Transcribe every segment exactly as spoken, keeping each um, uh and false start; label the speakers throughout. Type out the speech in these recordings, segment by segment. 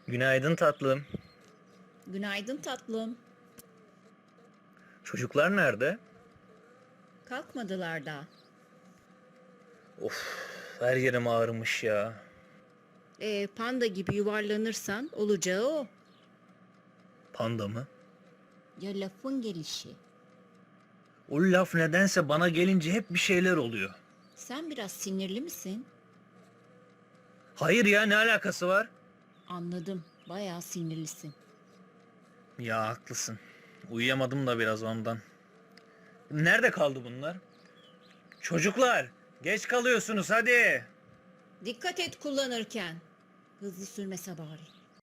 Speaker 1: Günaydın tatlım.
Speaker 2: Günaydın tatlım.
Speaker 1: Çocuklar nerede?
Speaker 2: Kalkmadılar daha.
Speaker 1: Of, her yerim ağrımış ya.
Speaker 2: Ee, panda gibi yuvarlanırsan olacağı o.
Speaker 1: Panda mı?
Speaker 2: Ya lafın gelişi.
Speaker 1: O laf nedense bana gelince hep bir şeyler oluyor.
Speaker 2: Sen biraz sinirli misin?
Speaker 1: Hayır ya, ne alakası var?
Speaker 2: Anladım. Bayağı sinirlisin.
Speaker 1: Ya haklısın. Uyuyamadım da biraz ondan. Nerede kaldı bunlar? Çocuklar, geç kalıyorsunuz hadi.
Speaker 2: Dikkat et kullanırken. Hızlı sürmese bari.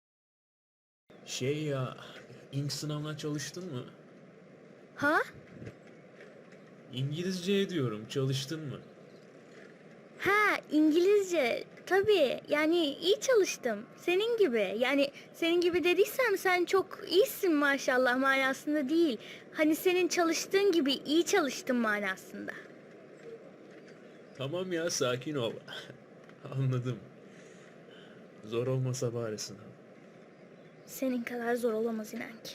Speaker 3: Şey ya, ink sınavına çalıştın mı?
Speaker 4: Ha?
Speaker 3: İngilizce diyorum, çalıştın mı?
Speaker 4: Ha, İngilizce. Tabii. Yani iyi çalıştım. Senin gibi. Yani senin gibi dediysem sen çok iyisin maşallah manasında değil. Hani senin çalıştığın gibi iyi çalıştım manasında.
Speaker 3: Tamam ya, sakin ol. Anladım. Zor olmasa bari sınav.
Speaker 4: Senin kadar zor olamaz inan ki.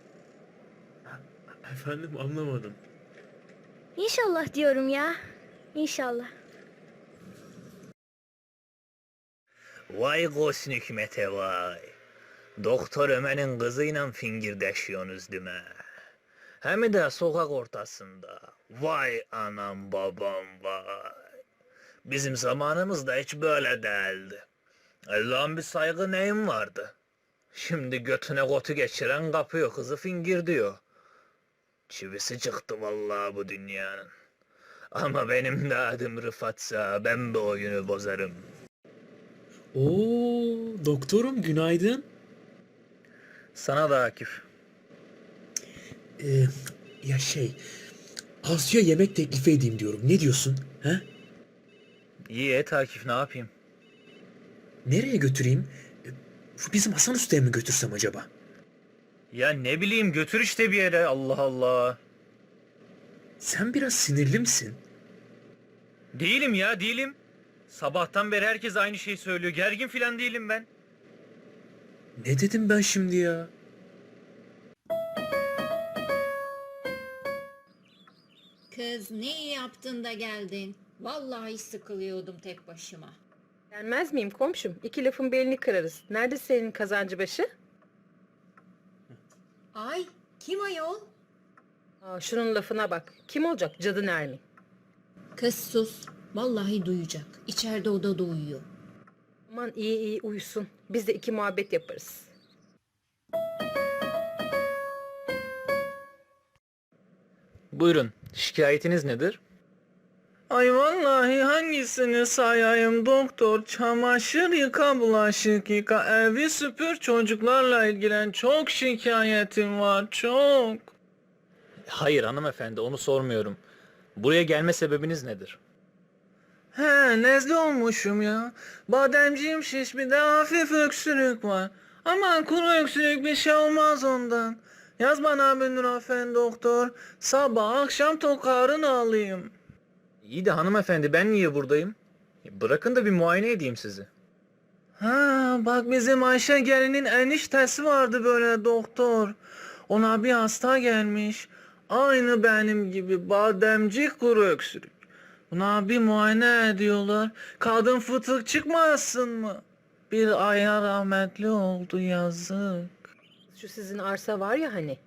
Speaker 3: Efendim, anlamadım.
Speaker 4: İnşallah diyorum ya. İnşallah.
Speaker 1: Vay Gosn hükümete vay. Doktor Ömer'in kızıyla fingirdeşiyorsunuz değil mi? Hem de sokak ortasında. Vay anam babam vay. Bizim zamanımızda hiç böyle değildi. Allah'ın bir saygı neyim vardı? Şimdi götüne kotu geçiren kapıyor, kızı fingir diyor. Çivisi çıktı vallahi bu dünyanın. Ama benim de adım Rıfat'sa ben bu oyunu bozarım.
Speaker 3: Oo, doktorum günaydın.
Speaker 1: Sana da Akif.
Speaker 5: Ee, ya şey, Asya yemek teklifi edeyim diyorum. Ne diyorsun? He?
Speaker 1: İyi et Akif, ne yapayım?
Speaker 5: Nereye götüreyim? Ee, Şu bizim Hasan Usta'ya mı götürsem acaba?
Speaker 1: Ya ne bileyim, götür işte bir yere, Allah Allah.
Speaker 5: Sen biraz sinirli misin?
Speaker 1: Değilim ya, değilim. Sabahtan beri herkes aynı şeyi söylüyor. Gergin filan değilim ben.
Speaker 5: Ne dedim ben şimdi ya?
Speaker 2: Kız ne iyi yaptın da geldin. Vallahi sıkılıyordum tek başıma.
Speaker 6: Gelmez miyim komşum? İki lafın belini kırarız. Nerede senin kazancı başı?
Speaker 2: Ay kim ayol?
Speaker 6: Aa, şunun lafına bak. Kim olacak? Cadı Nermin.
Speaker 2: Kız sus. Vallahi duyacak. İçeride odada uyuyor.
Speaker 6: Aman iyi iyi uyusun. Biz de iki muhabbet yaparız.
Speaker 1: Buyurun, şikayetiniz nedir? Ay vallahi hangisini sayayım doktor? Çamaşır yıka, bulaşık yıka, evi süpür, çocuklarla ilgilen. Çok şikayetim var, çok. Hayır hanımefendi, onu sormuyorum. Buraya gelme sebebiniz nedir? He, nezle olmuşum ya. Bademciğim şiş, bir de hafif öksürük var. Aman kuru öksürük, bir şey olmaz ondan. Yaz bana bir Nurafen doktor. Sabah akşam tokarını alayım. İyi de hanımefendi, ben niye buradayım? Bırakın da bir muayene edeyim sizi. Ha, bak bizim Ayşe gelinin eniştesi vardı böyle doktor. Ona bir hasta gelmiş. Aynı benim gibi bademci, kuru öksürük. Buna bir muayene ediyorlar. Kadın fıtık çıkmasın mı? Bir aya rahmetli oldu, yazık.
Speaker 6: Şu sizin arsa var ya hani.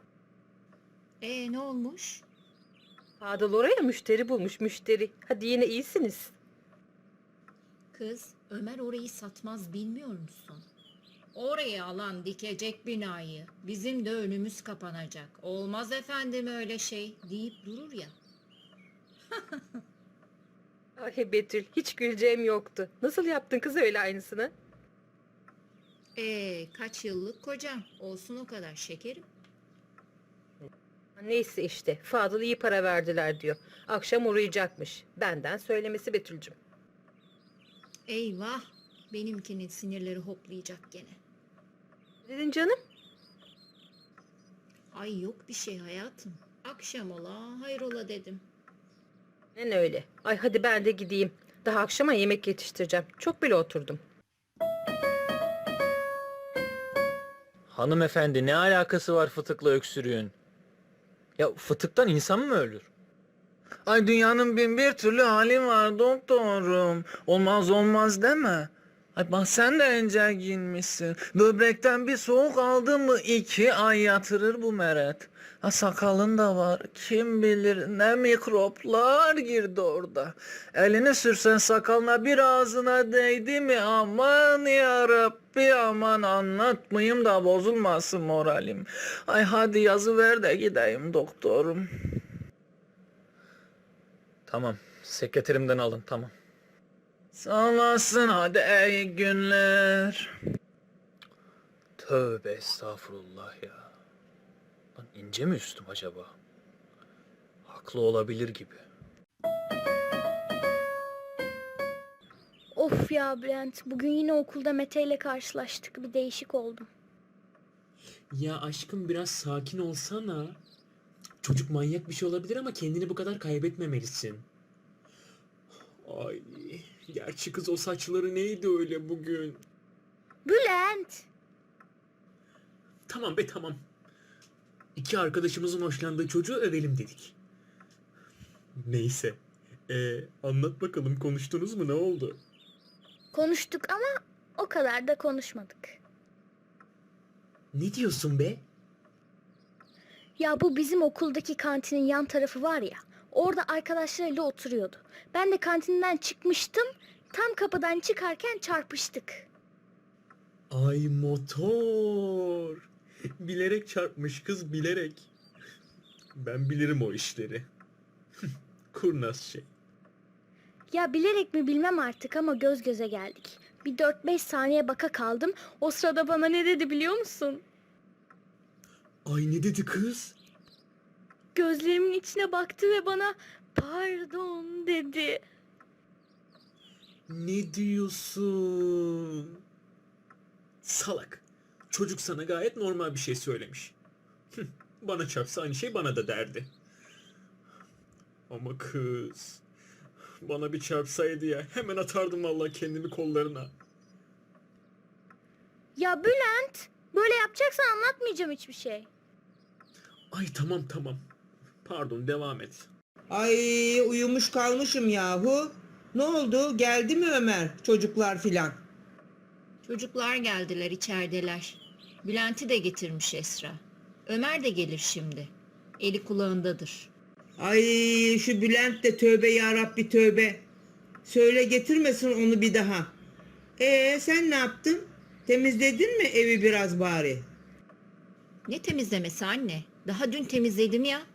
Speaker 2: E ne olmuş?
Speaker 6: Fadıl oraya müşteri bulmuş müşteri. Hadi yine iyisiniz.
Speaker 2: Kız Ömer orayı satmaz bilmiyor musun? Oraya alan dikecek binayı. Bizim de önümüz kapanacak. Olmaz efendim öyle şey deyip durur ya.
Speaker 6: Ay Betül hiç güleceğim yoktu. Nasıl yaptın kız öyle aynısını?
Speaker 2: Ee, kaç yıllık kocam. Olsun o kadar şekerim.
Speaker 6: Neyse işte Fadıl iyi para verdiler diyor. Akşam uğrayacakmış. Benden söylemesi Betül'cüm.
Speaker 2: Eyvah. Benimkinin sinirleri hoplayacak gene.
Speaker 6: Ne dedin canım?
Speaker 2: Ay yok bir şey hayatım. Akşam ola hayrola dedim.
Speaker 6: Ne öyle. Ay hadi ben de gideyim. Daha akşama yemek yetiştireceğim. Çok bile oturdum.
Speaker 1: Hanımefendi ne alakası var fıtıkla öksürüğün? Ya fıtıktan insan mı ölür? Ay dünyanın bin bir türlü hali var doktorum. Olmaz olmaz deme. Ay bak sen de ence giyinmişsin. Böbrekten bir soğuk aldın mı iki ay yatırır bu meret. Ha sakalın da var. Kim bilir ne mikroplar girdi orada. Elini sürsen sakalına bir ağzına değdi mi aman yarabbi aman anlatmayayım da bozulmasın moralim. Ay hadi yazıver de gideyim doktorum. Tamam sekreterimden alın tamam. Sağ olasın hadi iyi günler. Tövbe estağfurullah ya. Lan ince mi üstüm acaba? Haklı olabilir gibi.
Speaker 4: Of ya Bülent, bugün yine okulda Mete ile karşılaştık. Bir değişik oldum.
Speaker 5: Ya aşkım biraz sakin olsana. Çocuk manyak bir şey olabilir ama kendini bu kadar kaybetmemelisin. Ay, gerçi kız o saçları neydi öyle bugün?
Speaker 4: Bülent!
Speaker 5: Tamam be tamam. İki arkadaşımızın hoşlandığı çocuğu övelim dedik. Neyse. Ee, anlat bakalım konuştunuz mu ne oldu?
Speaker 4: Konuştuk ama o kadar da konuşmadık.
Speaker 5: Ne diyorsun be?
Speaker 4: Ya bu bizim okuldaki kantinin yan tarafı var ya. Orada arkadaşlarıyla oturuyordu. Ben de kantinden çıkmıştım. Tam kapıdan çıkarken çarpıştık.
Speaker 5: Ay motor. Bilerek çarpmış kız bilerek. Ben bilirim o işleri. Kurnaz şey.
Speaker 4: Ya bilerek mi bilmem artık ama göz göze geldik. Bir dört beş saniye baka kaldım. O sırada bana ne dedi biliyor musun?
Speaker 5: Ay ne dedi kız?
Speaker 4: Gözlerimin içine baktı ve bana pardon dedi.
Speaker 5: Ne diyorsun? Salak. Çocuk sana gayet normal bir şey söylemiş. Hıh, bana çarpsa aynı şey bana da derdi. Ama kız... Bana bir çarpsaydı ya hemen atardım vallahi kendimi kollarına.
Speaker 4: Ya Bülent, böyle yapacaksan anlatmayacağım hiçbir şey.
Speaker 5: Ay tamam tamam. Pardon devam et.
Speaker 7: Ay uyumuş kalmışım yahu. Ne oldu? Geldi mi Ömer? Çocuklar filan.
Speaker 2: Çocuklar geldiler, içerideler. Bülent'i de getirmiş Esra. Ömer de gelir şimdi. Eli kulağındadır.
Speaker 7: Ay şu Bülent de tövbe yarabbi tövbe. Söyle getirmesin onu bir daha. Ee sen ne yaptın? Temizledin mi evi biraz bari?
Speaker 2: Ne temizlemesi anne? Daha dün temizledim ya.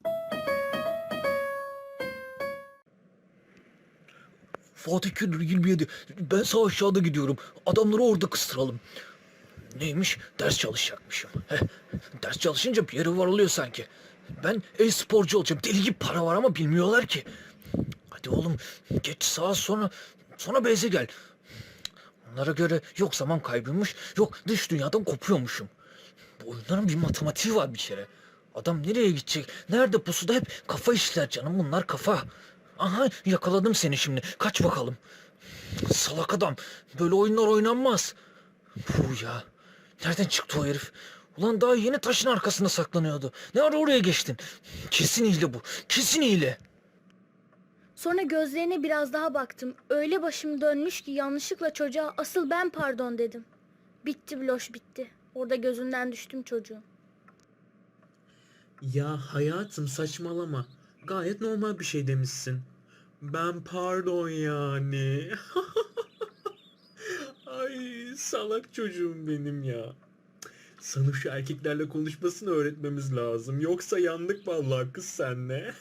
Speaker 1: Fatih Köylü yirmi yedi. Ben sağ aşağıda gidiyorum. Adamları orada kıstıralım. Neymiş? Ders çalışacakmışım. Heh, ders çalışınca bir yere varılıyor sanki. Ben e-sporcu olacağım. Deli gibi para var ama bilmiyorlar ki. Hadi oğlum geç sağa sonra sonra beyze gel. Onlara göre yok zaman kaybıymış, yok dış dünyadan kopuyormuşum. Bu oyunların bir matematiği var bir kere. Adam nereye gidecek, nerede pusuda hep kafa işler canım bunlar kafa. Aha yakaladım seni şimdi, kaç bakalım. Salak adam, böyle oyunlar oynanmaz. Puh ya, nereden çıktı o herif? Ulan daha yeni taşın arkasında saklanıyordu. Ne ara oraya geçtin? Kesin hile bu, kesin hile.
Speaker 4: Sonra gözlerine biraz daha baktım. Öyle başım dönmüş ki yanlışlıkla çocuğa asıl ben pardon dedim. Bitti Bloş bitti. Orada gözünden düştüm çocuğun.
Speaker 5: Ya hayatım saçmalama. Gayet normal bir şey demişsin. Ben pardon yani. Ay salak çocuğum benim ya. Sana şu erkeklerle konuşmasını öğretmemiz lazım. Yoksa yandık vallahi kız senle.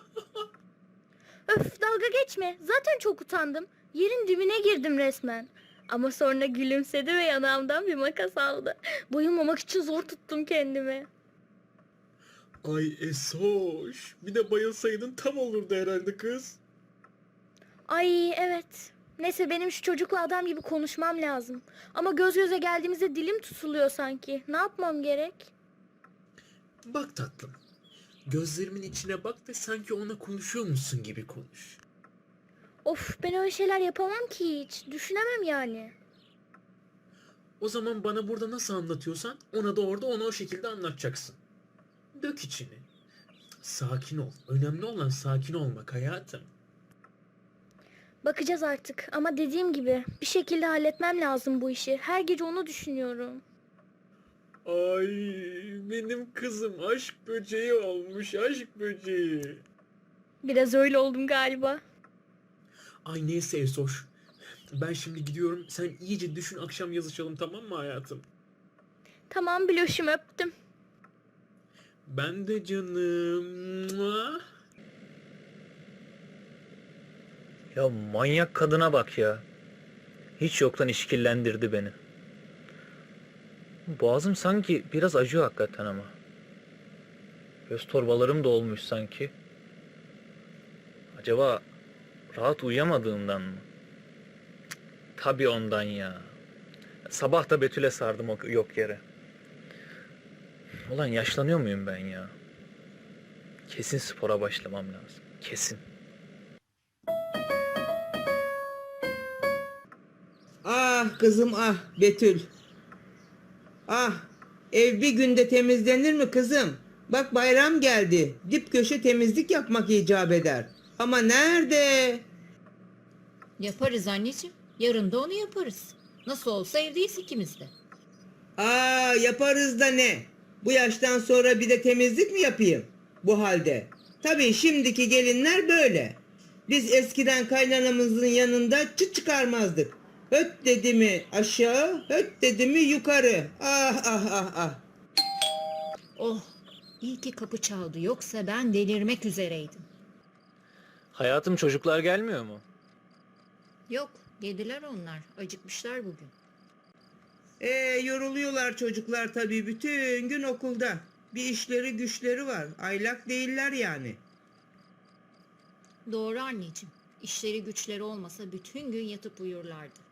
Speaker 4: Öf dalga geçme. Zaten çok utandım. Yerin dibine girdim resmen. Ama sonra gülümsedi ve yanağımdan bir makas aldı. Bayılmamak için zor tuttum kendimi.
Speaker 5: Ay Esoş. Bir de bayılsaydın tam olurdu herhalde kız.
Speaker 4: Ay evet. Neyse benim şu çocukla adam gibi konuşmam lazım. Ama göz göze geldiğimizde dilim tutuluyor sanki. Ne yapmam gerek?
Speaker 5: Bak tatlım. Gözlerimin içine bak ve sanki ona konuşuyormuşsun gibi konuş.
Speaker 4: Of ben öyle şeyler yapamam ki hiç. Düşünemem yani.
Speaker 5: O zaman bana burada nasıl anlatıyorsan ona da orada ona o şekilde anlatacaksın. Dök içini. Sakin ol. Önemli olan sakin olmak hayatım.
Speaker 4: Bakacağız artık ama dediğim gibi bir şekilde halletmem lazım bu işi. Her gece onu düşünüyorum.
Speaker 5: Ay benim kızım aşk böceği olmuş, aşk böceği.
Speaker 4: Biraz öyle oldum galiba.
Speaker 5: Ay neyse Esoş. Ben şimdi gidiyorum. Sen iyice düşün, akşam yazışalım, tamam mı hayatım?
Speaker 4: Tamam Biloş'um, öptüm.
Speaker 5: Ben de canım. Mua.
Speaker 1: Ya manyak kadına bak ya. Hiç yoktan işkillendirdi beni. Boğazım sanki biraz acıyor hakikaten ama. Göz torbalarım da olmuş sanki. Acaba rahat uyuyamadığımdan mı? Cık, tabii ondan ya. Sabah da Betül'e sardım o yok yere. Ulan yaşlanıyor muyum ben ya? Kesin spora başlamam lazım. Kesin.
Speaker 7: Ah kızım ah Betül. Ah, ev bir günde temizlenir mi kızım? Bak bayram geldi. Dip köşe temizlik yapmak icap eder. Ama nerede?
Speaker 2: Yaparız anneciğim. Yarın da onu yaparız. Nasıl olsa evdeyiz ikimiz de.
Speaker 7: Aa, yaparız da ne? Bu yaştan sonra bir de temizlik mi yapayım? Bu halde. Tabii şimdiki gelinler böyle. Biz eskiden kaynanamızın yanında çıt çıkarmazdık. Höt dedi mi aşağı, höt dedi mi yukarı. Ah ah ah ah.
Speaker 2: Oh, iyi ki kapı çaldı. Yoksa ben delirmek üzereydim.
Speaker 1: Hayatım, çocuklar gelmiyor mu?
Speaker 2: Yok, yediler onlar. Acıkmışlar bugün.
Speaker 7: Ee, yoruluyorlar çocuklar tabii bütün gün okulda. Bir işleri güçleri var. Aylak değiller yani.
Speaker 2: Doğru anneciğim. İşleri güçleri olmasa bütün gün yatıp uyurlardı.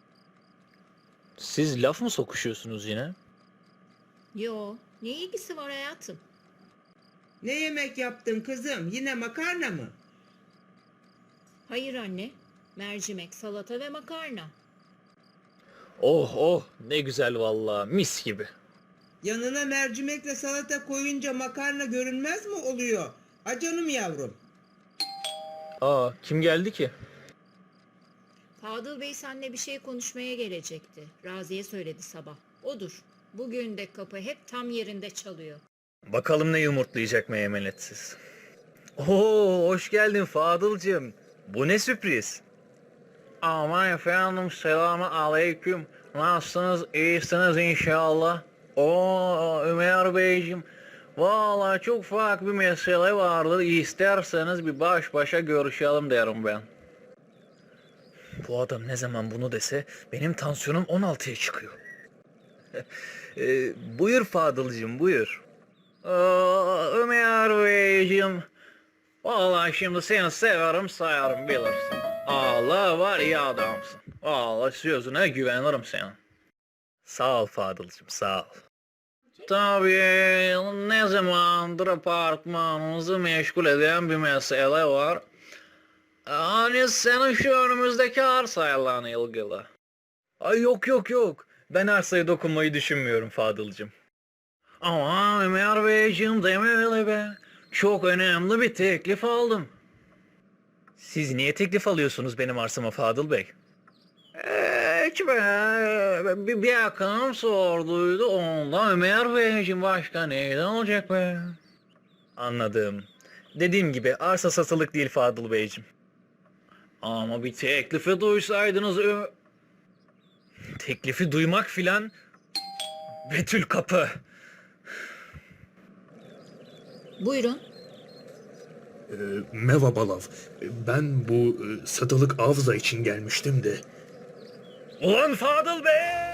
Speaker 1: Siz laf mı sokuşuyorsunuz yine?
Speaker 2: Yo, ne ilgisi var hayatım?
Speaker 7: Ne yemek yaptın kızım? Yine makarna mı?
Speaker 2: Hayır anne. Mercimek, salata ve makarna.
Speaker 1: Oh oh, ne güzel vallahi, mis gibi.
Speaker 7: Yanına mercimekle salata koyunca makarna görünmez mi oluyor? A canım yavrum.
Speaker 1: Aa, kim geldi ki?
Speaker 2: Fadıl Bey seninle bir şey konuşmaya gelecekti. Raziye söyledi sabah. Odur. Bugün de kapı hep tam yerinde çalıyor.
Speaker 1: Bakalım ne yumurtlayacak meymenetsiz. Oo, hoş geldin Fadıl'cığım. Bu ne sürpriz? Aman efendim, selamun aleyküm. Nasılsınız? İyisiniz inşallah. Oo Ömer Beyciğim. Vallahi çok farklı bir mesele vardı. İsterseniz bir baş başa görüşelim derim ben. Bu adam ne zaman bunu dese benim tansiyonum on altıya çıkıyor. e, buyur Fadıl'cığım, buyur. Aa, Ömer Beyciğim. Vallahi şimdi seni severim sayarım, bilirsin. Allah var, iyi adamsın. Vallahi sözüne güvenirim senin. Sağ ol Fadıl'cığım, sağ ol. Tabii ne zamandır apartmanımızı meşgul eden bir mesele var. Hani senin şu önümüzdeki arsayla ilgili. Ay yok yok yok. Ben arsaya dokunmayı düşünmüyorum Fadıl'cığım. Ama Ömer Beyciğim deme öyle be. Çok önemli bir teklif aldım. Siz niye teklif alıyorsunuz benim arsama Fadıl Bey? Hiç be. Bir, bir yakınım sorduydu ondan. Ömer Beyciğim, başka neyden olacak be? Anladım. Dediğim gibi arsa satılık değil Fadıl Beyciğim. Ama bir teklifi duysaydınız... Ö- Teklifi duymak filan... Betül kapı.
Speaker 2: Buyurun.
Speaker 3: Ee, merhaba Lav. Ben bu e, satılık avza için gelmiştim de.
Speaker 1: Ulan Fadıl Bey!